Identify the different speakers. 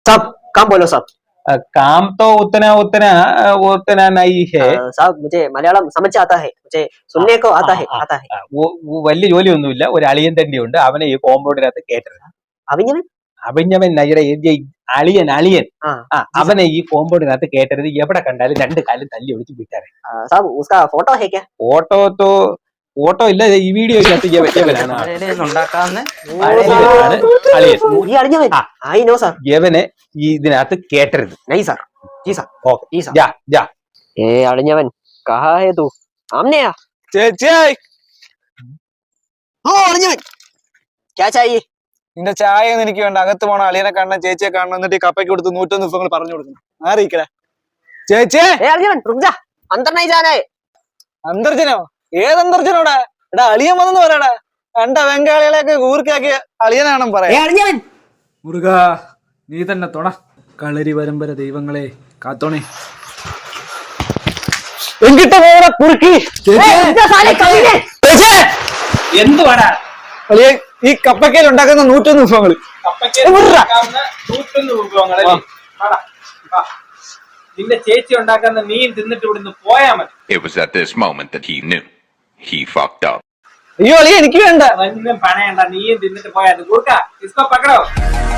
Speaker 1: साहब काम बोलो साहब।
Speaker 2: काम तो उतना उतना उतना नहीं है।
Speaker 1: साहब मुझे मलयालम समझ आता है, मुझे सुनने को आता है।
Speaker 2: वो വലിയ ജോലിയൊന്നുമില്ല. ഒരു അളിയൻ തന്നെയുണ്ട്. അവനെ ഈ കോമ്പൗണ്ടിനകത്ത് കേട്ടത്.
Speaker 1: അവിഞ്ഞവൻ
Speaker 2: അഭിഞ്ഞവൻ അളിയൻ അവനെ ഈ കോമ്പൗണ്ടിനകത്ത് കേട്ടരുത്. എവിടെ കണ്ടാലും രണ്ട് കാലും തല്ലി ഒളിച്ച് വിട്ടാരെ.
Speaker 1: साहब उसका फोटो है क्या?
Speaker 2: ഫോട്ടോ ഇല്ല. ഈ വീഡിയോ ഇവനാണ് അളിയൻ.
Speaker 1: I know sir.
Speaker 2: യവനെ ഇതിനകത്ത് കേട്ടരുത്.
Speaker 1: नहीं सर। जी सर।
Speaker 2: ഓക്കെ
Speaker 1: जी सर।
Speaker 2: ജാ.
Speaker 1: ए अड़ियवन कहाँ है तू? सामने आ।
Speaker 3: ചേച്ചി
Speaker 1: हो अड़ियवन क्या चाहिए?
Speaker 3: നിന്റെ ചായ ഒന്നും എനിക്ക് വേണ്ട. അകത്ത് പോണം, അളിയനെ കാണണം, ചേച്ചിയെ കാണണം, എന്നിട്ട് ഈ കപ്പയ്ക്ക് കൊടുത്ത് 101 വിഭവങ്ങൾ പറഞ്ഞു കൊടുക്കണം. ആറിയിക്കട ചേച്ചി.
Speaker 1: ए अड़ियवन रुक जा, अंदर नहीं जाना है।
Speaker 3: അന്തർജനോ? ഏതന്തർജനോടാ? എടാ അളിയൻ വന്നെന്ന് പറയടാ. കണ്ട ബംഗാളികളെയൊക്കെ ഊർക്കാക്കി അളിയനാണെന്ന് പറയാം.
Speaker 1: ए अड़ियवन
Speaker 4: മുരുക നീ തന്നെ തൊണ. കളരി പരമ്പര ദൈവങ്ങളെ കാത്തോണേ.
Speaker 3: എങ്കിട്ട് പോടാ കുറുക്കി.
Speaker 2: എന്തുവാടാ
Speaker 3: അളിയൻ ഈ കപ്പക്കയിൽ ഉണ്ടാക്കുന്ന 101 വിഭവങ്ങൾ.
Speaker 2: നിന്റെ ചേച്ചി ഉണ്ടാക്കുന്ന നീ തിന്നിട്ട് ഇവിടുന്ന് പോയാ മതി.
Speaker 5: It was at this moment that he knew he fucked up.
Speaker 3: അയ്യോ അളിയ എനിക്ക് വേണ്ട.
Speaker 2: പണയണ്ട, നീയും തിന്നിട്ട് പോയാ. കൊടുക്ക, ഇസ്കോ പക്കടോ.